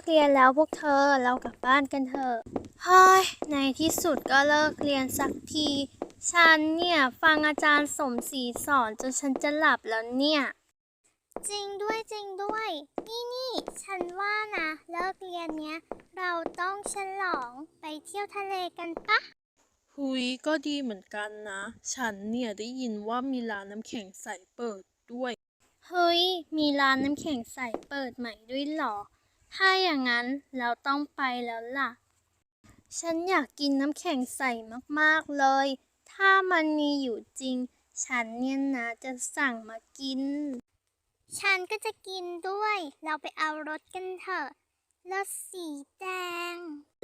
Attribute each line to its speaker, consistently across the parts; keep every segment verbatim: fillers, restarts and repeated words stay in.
Speaker 1: กเรียนแล้วพวกเธอเรากลับบ้านกันเถอะเฮ้ยในที่สุดก็เลิกเรียนสักทีฉันเนี่ยฟังอาจารย์สมศรีสอนจนฉันจะหลับแล้วเนี่ยจริงด้วยจริงด้วยนี่นี่ฉันว่านะเลิกเรียนเนี้ยเราต้องฉลองไปเที่ยวทะเลกันปะ
Speaker 2: หุยก็ดีเหมือนกันนะ ฉันเนี่ยได้ยินว่ามีร้านน้ำแข็งใสเปิดด้วย
Speaker 1: เฮ้ยมีร้านน้ำแข็งใสเปิดใหม่ด้วยเหรอถ้าอย่างนั้นเราต้องไปแล้วล่ะ ฉันอยากกินน้ำแข็งใสมากๆเลย ถ้ามันมีอยู่จริง ฉันเนี่ยนะจะสั่งมากิน ฉันก็จะกินด้วย เราไปเอารถกันเถอะ รถสีแดง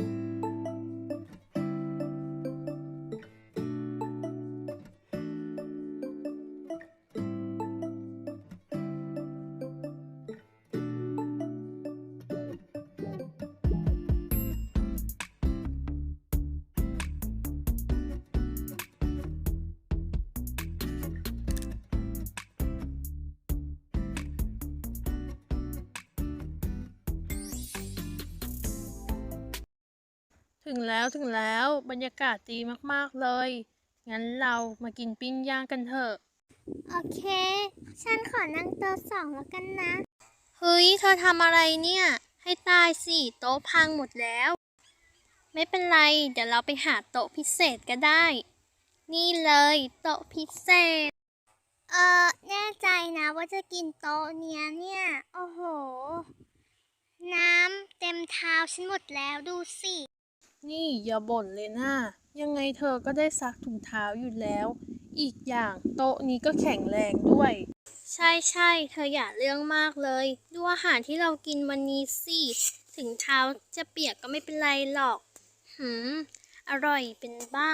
Speaker 2: ถึงแล้วถึงแล้วบรรยากาศดีมากๆเลย งั้นเรามากินปิ้งย่างกันเถอะ
Speaker 1: โอเค ฉันขอนั่งโต๊ะสองแล้วกันนะ เฮ้ย เธอทำอะไรเนี่ย ให้ตายสิโต๊ะพังหมดแล้ว ไม่เป็นไร เดี๋ยวเราไปหาโต๊ะพิเศษก็ได้ นี่เลยโต๊ะพิเศษ เออแน่ใจนะว่าจะกินโต๊ะเนี้ยเนี่ย โอ้โห น้ำเต็มเท้าฉันหมดแล้วดูสิ
Speaker 2: นี่อย่าบ่นเลยนะยังไงเธอก็ได้ซักถุงเท้าอยู่แล้ว อีกอย่างโต๊ะนี้ก็แข็งแรงด้วย
Speaker 1: ใช่ใช่เธออย่าเรื่องมากเลย ดูอาหารที่เรากินวันนี้สิ ถึงเท้าจะเปียกก็ไม่เป็นไรหรอก หืม อร่อยเป็นบ้า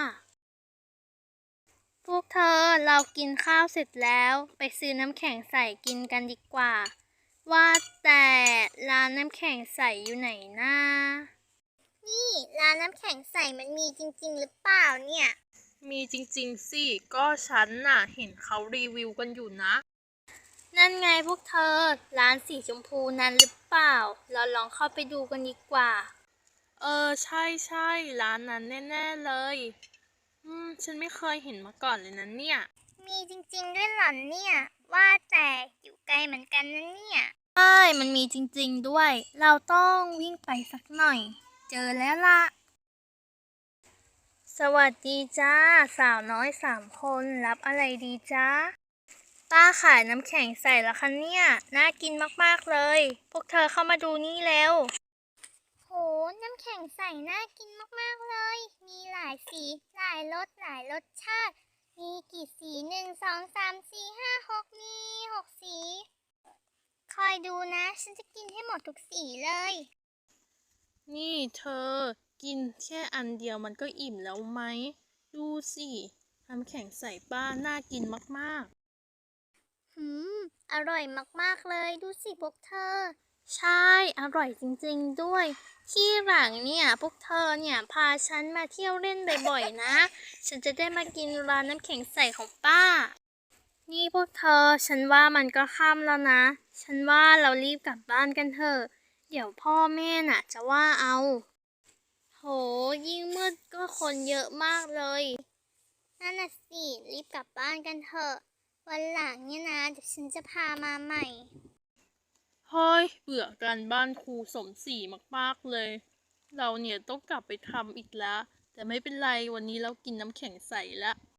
Speaker 1: พวกเธอเรากินข้าวเสร็จแล้วไปซื้อน้ำแข็งใสกินกันดีกว่า ว่าแต่ร้านน้ำแข็งใสอยู่ไหนนะนี่ร้านน้ำแข็งใสมันมีจริงๆหรือเปล่าเนี่ย
Speaker 2: มีจริงๆสิ ก็ฉันน่ะเห็นเขารีวิวกันอยู่นะ
Speaker 1: นั่นไงพวกเธอร้านสีชมพูนั้นหรือเปล่า เราลองเข้าไปดูกันดีกว่า
Speaker 2: เออใช่ใช่ร้านนั้นแน่ๆเลย อืมฉันไม่เคยเห็นมาก่อนเลยนะเนี่ย
Speaker 1: มีจริงๆด้วยเหรอเนี่ย ว่าแต่อยู่ไกลเหมือนกันนะเนี่ยใช่มันมีจริงๆด้วย เราต้องวิ่งไปสักหน่อย เจอแล้วล่ะ สวัสดีจ้า สาวน้อยสามคนรับอะไรดีจ้าป้าขายน้ำแข็งใส่ละคะเนี่ย น่ากินมากๆเลย พวกเธอเข้ามาดูนี่แล้ว โห น้ำแข็งใสน่ากินมากๆเลย มีหลายสี หลายรส หลายรสชาติ มีกี่สีหนึ่ง สอง สาม สี่ ห้า หกมีหกสี คอยดูนะ ฉันจะกินให้หมดทุกสีเลย
Speaker 2: นี่เธอกินแค่อันเดียวมันก็อิ่มแล้วไหม ดูสิน้ำแข็งใส่ป้าน่ากินมาก
Speaker 1: หืม อร่อยมากๆเลย ดูสิพวกเธอ ใช่ อร่อยจริงๆด้วย ที่หลังเนี่ยพวกเธอเนี่ยพาฉันมาเที่ยวเล่นบ่อยๆนะ ฉันจะได้มากินร้านน้ำแข็งใสของป้า นี่พวกเธอ ฉันว่ามันก็ค่ำแล้วนะ ฉันว่าเรารีบกลับบ้านกันเถอะ เดี๋ยวพ่อแม่น่ะจะว่าเอา โห ยิ่งมืดก็คนเยอะมากเลย นั่นน่ะสิ รีบกลับบ้านกันเถอะ วันหลังเนี่ยนะเดี๋ยวฉันจะพามาใหม่
Speaker 2: ๆ เฮ้ยเบื่อการบ้านครูสมศรีมากๆเลย เราเนี่ยต้องกลับไปทำอีกแล้ว แต่ไม่เป็นไรวันนี้เรากินน้ำแข็งใสละ